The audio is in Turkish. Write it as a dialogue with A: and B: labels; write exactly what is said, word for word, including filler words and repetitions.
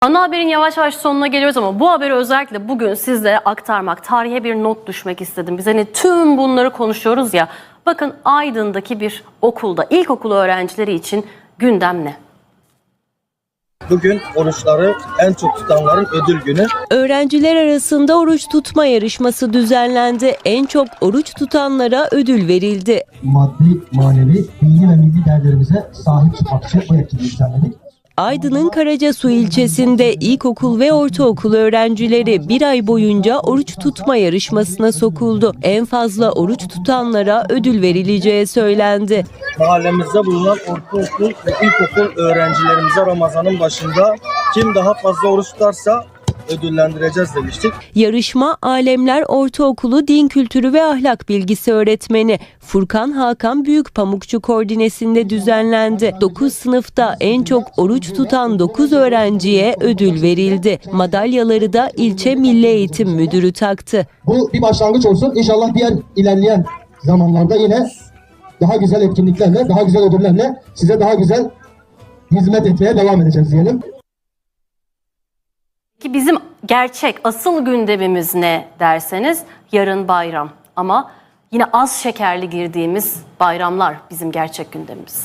A: Ana haberin yavaş yavaş sonuna geliyoruz ama bu haberi özellikle bugün sizlere aktarmak, tarihe bir not düşmek istedim. Biz hani tüm bunları konuşuyoruz ya. Bakın Aydın'daki bir okulda, ilkokul öğrencileri için gündem ne?
B: Bugün oruçları en çok tutanların ödül günü.
C: Öğrenciler arasında oruç tutma yarışması düzenlendi. En çok oruç tutanlara ödül verildi.
D: Maddi, manevi, dini ve milli değerlerimize sahip çıkmak için bu etkinliği düzenledik.
C: Aydın'ın Karacasu ilçesinde ilkokul ve ortaokul öğrencileri bir ay boyunca oruç tutma yarışmasına sokuldu. En fazla oruç tutanlara ödül verileceği söylendi.
B: Mahallemizde bulunan ortaokul ve ilkokul öğrencilerimize Ramazan'ın başında kim daha fazla oruç tutarsa ödüllendireceğiz demiştik.
C: Yarışma Alemler Ortaokulu Din Kültürü ve Ahlak Bilgisi öğretmeni Furkan Hakan Büyükpamukçu koordinesinde düzenlendi. dokuz sınıfta en çok oruç tutan dokuz öğrenciye ödül verildi. Madalyaları da ilçe Milli Eğitim Müdürü taktı.
D: Bu bir başlangıç olsun. İnşallah diğer ilerleyen zamanlarda yine daha güzel etkinliklerle, daha güzel ödüllerle size daha güzel hizmet etmeye devam edeceğiz diyelim.
A: Ki bizim gerçek asıl gündemimiz ne derseniz yarın bayram ama yine az şekerli girdiğimiz bayramlar bizim gerçek gündemimiz.